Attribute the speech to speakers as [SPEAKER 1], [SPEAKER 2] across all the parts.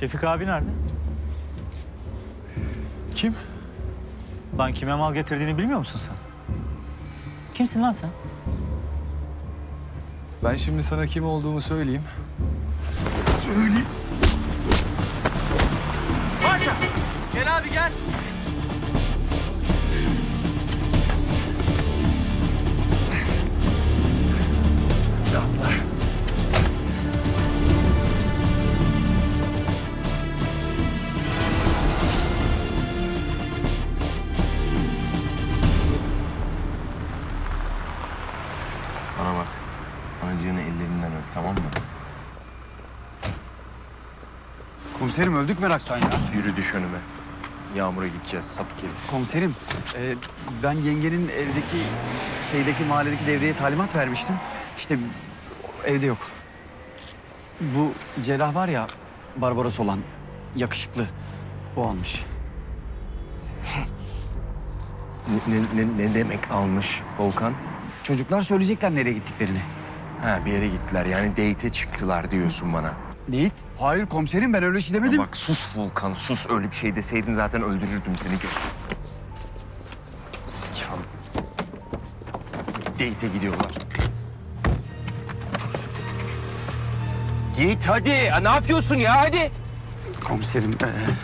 [SPEAKER 1] Şefik abi nerede?
[SPEAKER 2] Kim?
[SPEAKER 1] Lan kime mal getirdiğini bilmiyor musun sen? Kimsin lan sen?
[SPEAKER 2] Ben şimdi sana kim olduğumu söyleyeyim.
[SPEAKER 3] Paşa! Gel abi gel.
[SPEAKER 2] Biraz daha.
[SPEAKER 4] Bana bak. Anacığını ellerinden öp, tamam mı?
[SPEAKER 5] Komiserim öldük meraktan ya.
[SPEAKER 4] Yürü düş önüme. Yağmur'a gideceğiz, sapık herif.
[SPEAKER 5] Komiserim ben yengenin şeydeki mahalledeki devreye talimat vermiştim. İşte evde yok. Bu cerrah var ya Barbaros olan yakışıklı o almış.
[SPEAKER 4] Ne demek almış Volkan?
[SPEAKER 5] Çocuklar söyleyecekler nereye gittiklerini.
[SPEAKER 4] Ha, bir yere gittiler, yani date'e çıktılar diyorsun bana.
[SPEAKER 5] Neyit? Hayır komiserim ben öyle şey demedim.
[SPEAKER 4] Bak sus Volkan, sus. Öyle bir şey deseydin zaten öldürürdüm seni. Zekalı. Date'e gidiyorlar. Git hadi. Ne yapıyorsun ya, hadi.
[SPEAKER 5] Komiserim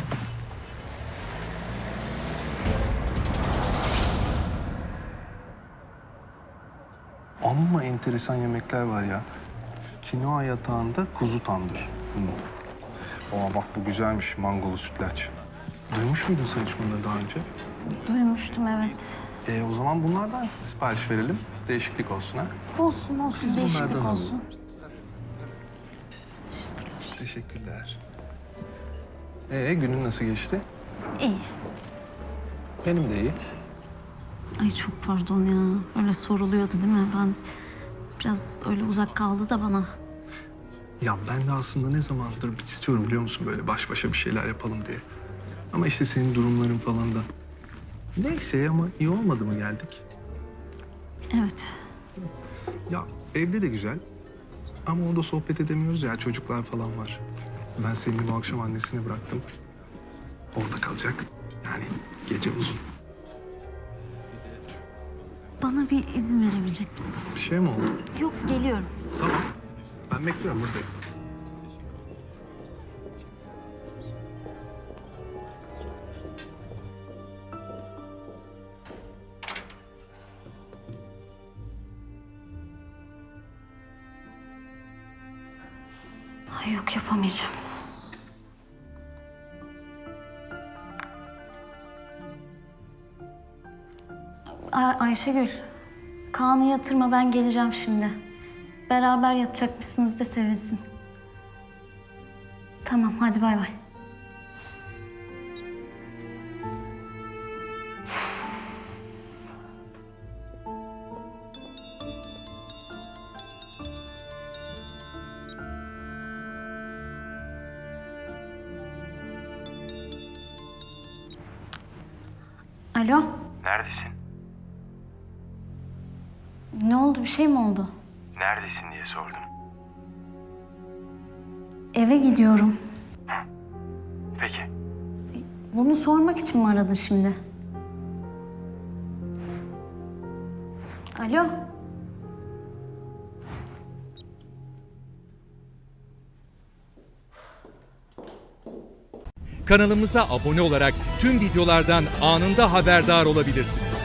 [SPEAKER 6] Amma enteresan yemekler var ya. Kinoa yatağında kuzu tandır. Aa bak bu güzelmiş, mangolu sütlaç. Duymuş muydun sen hiç bunları daha önce?
[SPEAKER 7] Duymuştum evet.
[SPEAKER 6] O zaman bunlardan sipariş verelim. Değişiklik olsun ha.
[SPEAKER 7] Olsun olsun değişiklik
[SPEAKER 6] bunlardan
[SPEAKER 7] olsun.
[SPEAKER 6] Teşekkürler. Günün nasıl geçti?
[SPEAKER 7] İyi.
[SPEAKER 6] Benim de iyi.
[SPEAKER 7] Ay çok pardon ya. Öyle soruluyordu değil mi? Ben biraz öyle uzak kaldı da bana.
[SPEAKER 6] Ya ben de aslında ne zamandır istiyorum biliyor musun böyle baş başa bir şeyler yapalım diye. Ama işte senin durumların falan da. Neyse ama iyi olmadı mı geldik?
[SPEAKER 7] Evet.
[SPEAKER 6] Ya evde de güzel. Ama orada sohbet edemiyoruz ya çocuklar falan var. Ben seni bu akşam annesine bıraktım. Orada kalacak. Yani gece uzun.
[SPEAKER 7] Bana bir izin verebilecek misin?
[SPEAKER 6] Bir şey mi oldu?
[SPEAKER 7] Yok geliyorum.
[SPEAKER 6] Tamam. Ben bekliyorum buradayım.
[SPEAKER 7] Ay yok yapamayacağım. Ayşegül, Kaan'ı yatırma ben geleceğim şimdi. Beraber yatacakmışsınız da sevinsin. Tamam hadi bay bay. Alo,
[SPEAKER 8] Neredesin?
[SPEAKER 7] ne oldu bir şey mi oldu?
[SPEAKER 8] Neredesin diye sordum.
[SPEAKER 7] Eve gidiyorum.
[SPEAKER 8] Peki.
[SPEAKER 7] Bunu sormak için mi aradın şimdi? Alo.
[SPEAKER 9] Kanalımıza abone olarak tüm videolardan anında haberdar olabilirsiniz.